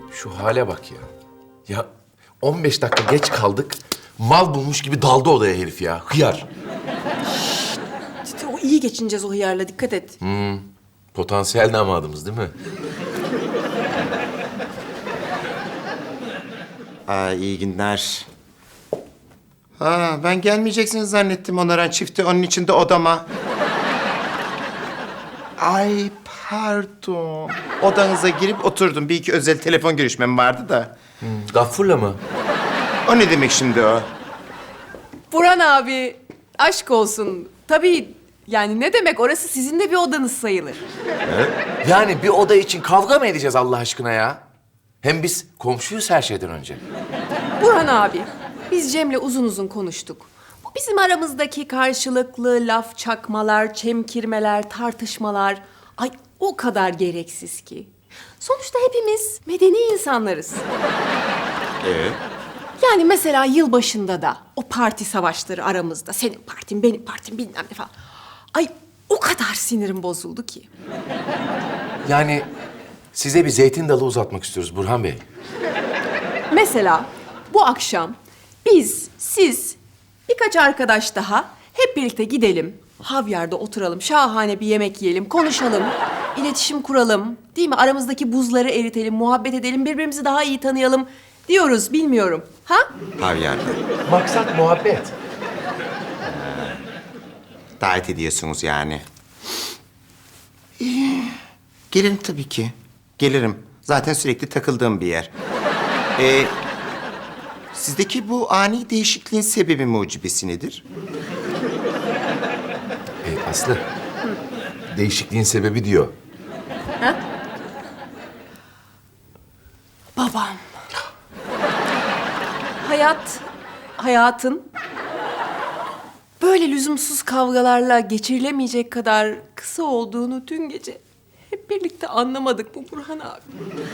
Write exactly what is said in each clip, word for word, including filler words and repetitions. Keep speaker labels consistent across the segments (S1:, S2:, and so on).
S1: Şu hale bak ya. Ya on beş dakika geç kaldık. Mal bulmuş gibi daldı odaya herif ya. Hıyar.
S2: İşte o iyi geçineceğiz o hıyarla, dikkat et.
S1: Potansiyel damadımız değil mi?
S3: Aa, iyi günler. Ha, ben gelmeyeceksiniz zannettim onaran çifti. Onun için de odama. Ay pardon. Odanıza girip oturdum. Bir iki özel telefon görüşmem vardı da.
S1: Gaffur'la mı?
S3: O ne demek şimdi o?
S2: Burhan abi, aşk olsun. Tabii yani ne demek, orası sizin de bir odanız sayılır.
S1: Yani bir oda için kavga mı edeceğiz Allah aşkına ya? Hem biz komşuyuz her şeyden önce.
S2: Burhan abi, biz Cem'le uzun uzun konuştuk. Bu bizim aramızdaki karşılıklı laf çakmalar, çemkirmeler, tartışmalar... Ay o kadar gereksiz ki. Sonuçta hepimiz medeni insanlarız.
S3: Ee?
S2: Yani mesela yılbaşında da o parti savaşları aramızda. Senin partin, benim partim bilmem ne falan. Ay o kadar sinirim bozuldu ki.
S1: Yani size bir zeytin dalı uzatmak istiyoruz Burhan Bey.
S2: Mesela bu akşam biz, siz, birkaç arkadaş daha hep birlikte gidelim. Havyarda oturalım, şahane bir yemek yiyelim, konuşalım, iletişim kuralım. Değil mi? Aramızdaki buzları eritelim, muhabbet edelim, birbirimizi daha iyi tanıyalım diyoruz, bilmiyorum. Ha?
S3: Havyarda.
S1: Maksat muhabbet.
S3: Davet ediyorsunuz yani. İyi. Gelirim tabii ki. Gelirim. Zaten sürekli takıldığım bir yer. Ee, sizdeki bu ani değişikliğin sebebi mucibesi nedir?
S1: Ee, Aslı, değişikliğin sebebi diyor.
S2: Babam. Hayat, hayatın böyle lüzumsuz kavgalarla geçirilemeyecek kadar kısa olduğunu dün gece hep birlikte anlamadık mı Burhan abi?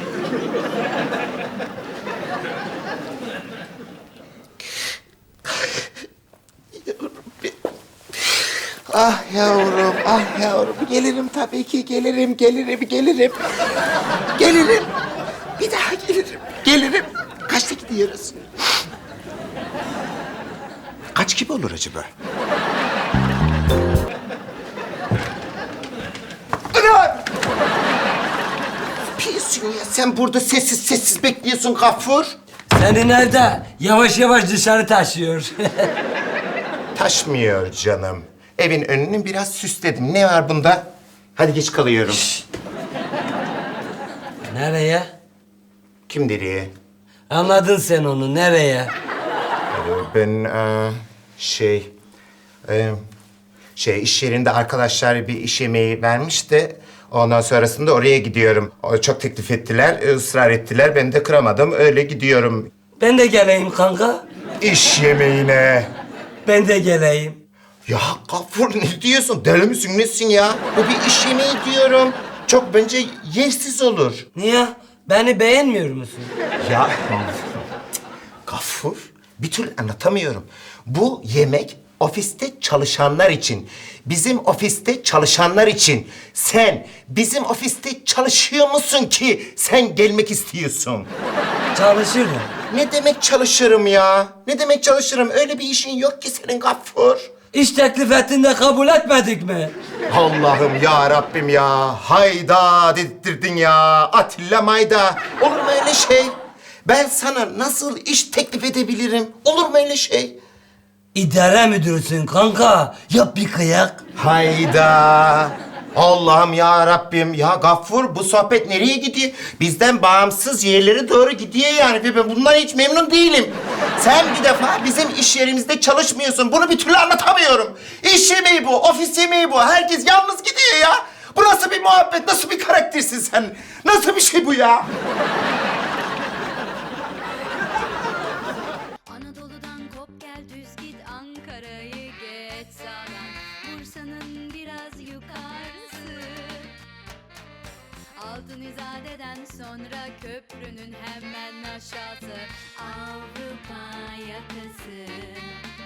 S3: Ah yavrum, ah yavrum. Gelirim tabii ki, gelirim, gelirim, gelirim. Gelirim. Bir daha gelirim, gelirim. Kaçta gidiyoruz? Kaç gibi olur acaba? Ana! Piyorsun ya, sen burada sessiz sessiz bekliyorsun Gafur.
S4: Seni nerede? Yavaş yavaş dışarı taşıyor.
S3: Taşmıyor canım. Evin önünü biraz süsledim. Ne var bunda? Hadi geç kalıyorum.
S4: Nereye?
S3: Kim nereye?
S4: Anladın sen onu, nereye?
S3: Ee, Ben e, şey... e, şey iş yerinde arkadaşlar bir iş yemeği vermiş de... Ondan sonrasında oraya gidiyorum. O çok teklif ettiler, ısrar ettiler. Ben de kıramadım. Öyle gidiyorum
S4: Ben de geleyim kanka.
S3: iş yemeğine.
S4: Ben de geleyim.
S3: Ya Gafur ne diyorsun? Deli misin nesin ya? Bu bir iş yemeği diyorum. Çok bence yersiz olur.
S4: Niye? Beni beğenmiyor musun?
S3: Ya Gafur, bir türlü anlatamıyorum. Bu yemek ofiste çalışanlar için. Bizim ofiste çalışanlar için. Sen bizim ofiste çalışıyor musun ki sen gelmek istiyorsun?
S4: Çalışırım.
S3: Ne demek çalışırım ya? Ne demek çalışırım? Öyle bir işin yok ki senin Gafur.
S4: İş teklif ettiğinde kabul etmedik mi?
S3: Allah'ım ya Rabbim ya. Hayda dedirttirdin ya. Atilla mayda. Olur mu öyle şey? Ben sana nasıl iş teklif edebilirim? Olur mu öyle şey?
S4: İdare müdürsün kanka. Yap bir kıyak.
S3: Hayda. Allah'ım ya Rabbim. Ya Gaffur bu sohbet nereye gidiyor? Bizden bağımsız yerlere doğru gidiyor yani. Ve ben bundan hiç memnun değilim. Sen bir defa bizim iş yerimizde çalışmıyorsun. Bunu bir türlü anlatamıyorum. İş yemeği bu, ofis yemeği bu. Herkes yalnız gidiyor ya. Bu nasıl bir muhabbet, nasıl bir karaktersin sen? Nasıl bir şey bu ya?
S5: Anadolu'dan kop gel düz git Ankara'yı geç sağdan Bursa'nın biraz yukarısı Altın İzade'den sonra köprünün hemen aşağısı Avrupa yakası